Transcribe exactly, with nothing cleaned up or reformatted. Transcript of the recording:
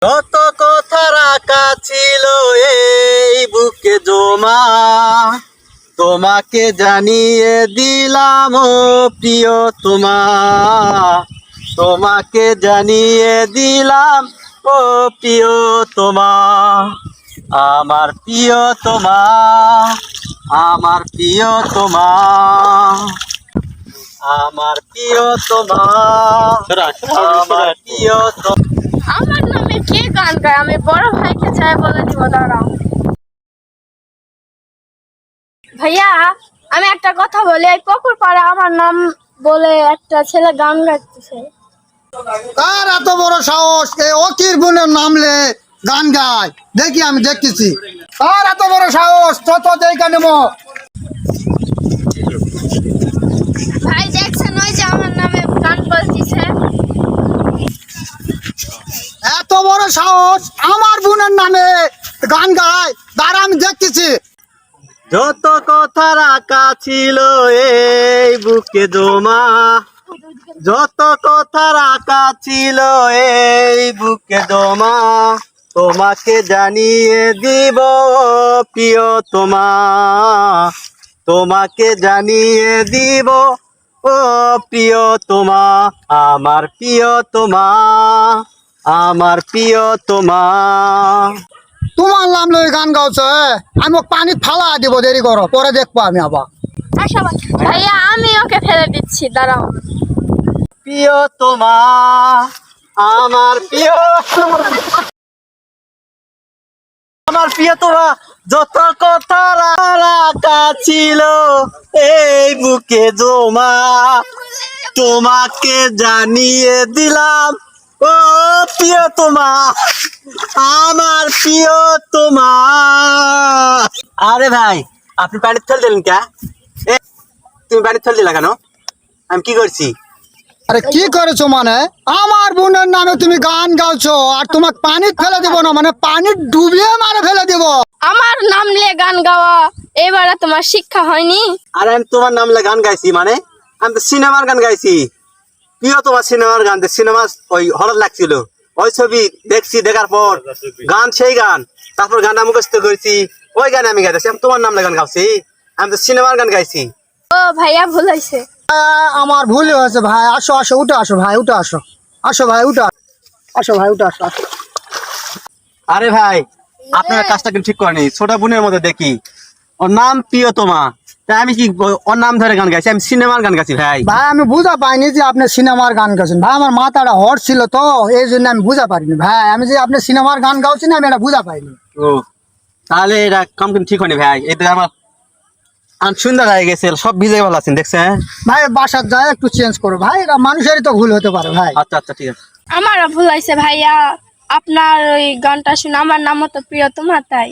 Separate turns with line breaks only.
কত কথা রাখা ছিল এই বুকে জমা, তোমাকে জানিয়ে দিলাম ও প্রিয় তোমা, তোমাকে জানিয়ে দিলাম ও প্রিয় তোমা, আমার প্রিয় তোমা, আমার প্রিয় তোমা, আমার প্রিয় তোমা, আমার প্রিয় তোমা।
আমার নামে কে গান গায়? আমি বড় ভাইকে চাই বলে দিব, দাঁড়াও। ভাইয়া, আমি একটা কথা বলি, এই পুকুর পাড়ে আমার নাম বলে একটা ছেলে গান গাইতেছে।
কার এত বড় সাহস এই অকির বোনের নামলে গান গায়? দেখি, আমি দেখতেছি কার এত বড় সাহস। তত দেখা নেব।
ভাই দেখছেন, ওই যে আমার নামে গান বলতেছে।
এত বড় সাহস আমার বোনের নামে গান গায়? তার আমি দেখতেছি।
যত কথা রাখা ছিল এই বুকে জমা, যত কথা রাখা ছিল এই বুকে জমা, তোমাকে জানিয়ে দিব প্রিয় তোমা, তোমাকে জানিয়ে দিব ও প্রিয় তোমা, আমার প্রিয় তোমা, আমার প্রিয় তোমা।
তোমার নাম লই গান গাওছে, আমি পানি ফালা দিব, দেরি করো, পরে দেখবো আমি আবার।
ভাইয়া, আমি ওকে ফেলে দিচ্ছি, দাঁড়াও।
প্রিয় তোমা, আমার প্রিয়, আমার প্রিয় তোমা, যত কথা রাখা ছিল এই বুকে জমা, তোমাকে জানিয়ে দিলাম ও প্রিয় তোমা, আমার প্রিয় তোমা। আরে ভাই, আপনি পানির ফেল দিলেন কে? এ, তুমি পানির ফেল দিলা কেন? আমি কি করছি?
আরে কি করেছো মানে? আমার বোনের নামে তুমি গান গাওছো আর তোমাকে পানি ফেলে দিব না, মানে পানি ডুবিয়ে মারে ফেলে দিব।
আমার নাম নিয়ে গান গাওয়া এবারে তোমার শিক্ষা হয়নি?
আর আমি তোমার নামলে গান গাইছি মানে? আমি তো সিনেমার গান গাইছি। প্রিয় তোমার সিনেমার গান, সিনেমা ওই হরর লাগছিল, ওই ছবি দেখছি, দেখার পর গান সেই গান, তারপর গানটা মুখস্থ করেছি, ওই গানে আমি গাইতেছি। আমি তোমার নামলে গান গাইছি? আমি তো সিনেমার গান গাইছি।
ও ভাইয়া, ভুল হয়েছে।
আহ, আমার ভুল হয়েছে ভাই। আসো আসো, উঠে আসো ভাই, উঠে আসো। আসো ভাই, উঠে আসো। আসো ভাই, উঠে আসো, আসো।
আরে ভাই, আপনারা কাজটা কিন্তু ঠিক করেনি। ছোট বোনের মধ্যে দেখি ওর নাম প্রিয়তমা, তাই আমি কি ওর নাম ধরে গান গাইছি? আমি সিনেমার গান গাইছি ভাই।
ভাই আমি বুঝা পাইনি যে আপনি সিনেমার গান গাচ্ছেন। ভাই আমার মাথাটা হট ছিল তো, এই জন্য আমি বুঝা পারিনি ভাই। আমি যে আপনি সিনেমার গান গাচ্ছেন আমি এটা বুঝা পাইনি।
ও, তাহলে এটা কাম কিন্তু ঠিক হয়নি ভাই। এই তো আমার আন সুন্দর হয়ে গেছে, সব ভিজে ভালো আছেন দেখছেন।
ভাই বাসার যায় একটু চেঞ্জ করো ভাই, এটা মানুষেরই তো ভুল হতে পারে ভাই।
আচ্ছা আচ্ছা, ঠিক আছে।
আমারও ভুল হয়েছে ভাইয়া, আপনার ওই গানটা শুনে আমার নামও তো প্রিয়তমা, তাই।